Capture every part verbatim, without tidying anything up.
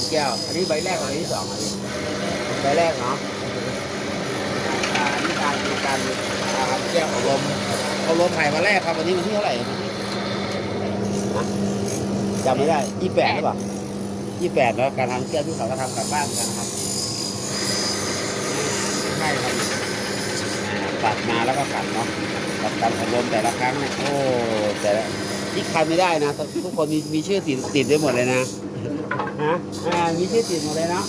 แก้วอันนี้ใบแรกกับใบที่สองอันนี้ใบแรกเนาะอ่าอันนี้การการอ่าครับแก้วอบรมอบรมไผ่มาแรกครับวันนี้วันที่เท่าไหร่นะจำไม่ได้ยี่แปดหรือเปล่ายี่แปดแล้วการทำแก้วที่เขาก็ทำกลับบ้านกันนะครับใช่ครับตัดมาแล้วก็ขัดเนาะกับการอบรมแต่ละครั้งเนี่ยโอ้แต่ละที่คันไม่ได้นะทุกคนมีมีชื่อติดติดได้หมดเลยนะฮะอ่ามีชื่อติดหมดเลยเนาะ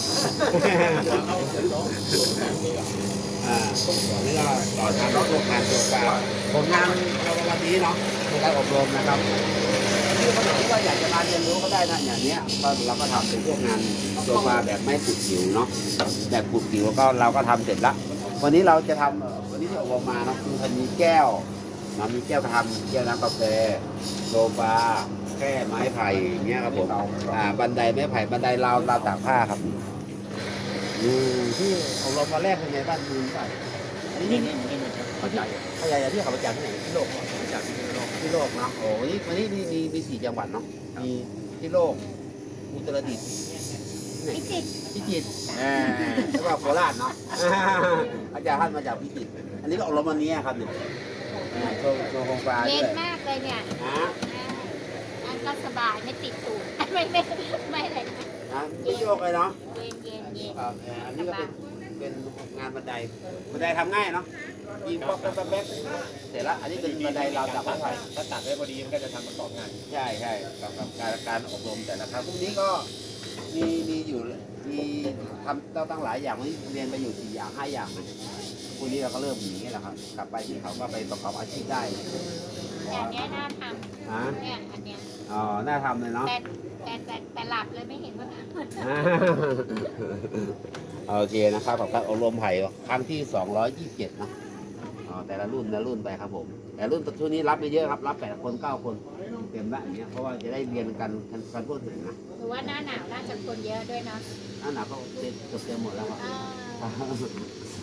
อ่านี่ก็ต่อทางรถโรงงานตัวเปล่าผลงานเราวันนี้เนาะในการอบรมนะครับที่คนไหนที่ว่าอยากจะมาเรียนรู้ก็ได้นะอย่างเนี้ยก็เราก็ทำเป็นพวกงานตัวปลาแบบไม่ขูดผิวเนาะแบบขูดผิวก็เราก็ทำเสร็จละวันนี้เราจะทำวันนี้ที่อบรมมาเนาะคือมันมีแก้วนะมีแก้วทำแก้วน้ำกาแฟโซฟาแค่ไม้ไผ่อย่างเงี้ยครับผมอ่าบันไดไม้ไผ่บันไดราวราวตากผ้าครับอืมที่อบรมมาแรกเป็นไงบ้างมือใส่อันนี้นี่นี่มันเข้าใจเข้าใจที่เขาประจำที่ไหนที่โลกประจำที่โลกที่โลกเนาะโอ้วันนี้วันนี้มีมีมีสี่จังหวัดเนาะมีที่โลกอุตรดิตถ์พิจิตรพิจิตรอ่าแล้วก็โคราชเนาะอาจารย์ท่านมาจากพิจิตรอันนี้ก็อบรมวันนี้ครับเนี่ยโชว์โชว์โครงการเย็ด้นวยมากเลยเนี่ยฮะอันก็สบายไม่ติดตูดไม่ไม่ไม่อะไรนะนะไม่โยกเลยเนาะเย็นเย็นเย็นครับอันนี้ก็เป็นเป็นงานบันไดบันไดทำง่ายเนาะยิงป๊อกแป๊บแป๊บเสร็จละอันนี้เป็นบันไดราวจับไม้ไผ่ถ้าตัดได้พอดีมันก็จะทำประกอบงานใช่ใช่กับกับการการอบรมแต่ละครั้งพวกนี้ก็มีมีอยู่มีทำเราตั้งหลายอย่างวันนี้เรียนไปอยู่สี่อย่างห้าอย่างนะพวกนี้เราก็เริ่มอย่างนี้แหละครับกลับไปที่เขาก็ไปประกอบอาชีพได้อย่างเนี้ยน่าทฮะำเนี่ยอันเนี้ยอ๋อน่าทำเลยเนาะแต่แต่แต่แต่หลับเลยไม่เห็นว่าทำโอเคนะครับกับการอบรมไผ่ครั้งที่สองร้อยยี่สิบเจ็ดเนาะอ๋อแต่ละรุ่นแต่ละรุ่นไปครับผมแต่รุ่นช่วงนี้รับไม่เยอะครับรับแปดคนเก้าคนเต็มละอย่างเงี้ยเพราะว่าจะได้เรียนกันกันกันทั่วถึงนะหรือว่าหน้าหนาวน่าจะคนเยอะด้วยเนาะหน้าหนาวก็เต็มเกือบเต็มหมดแล้วครับอ่า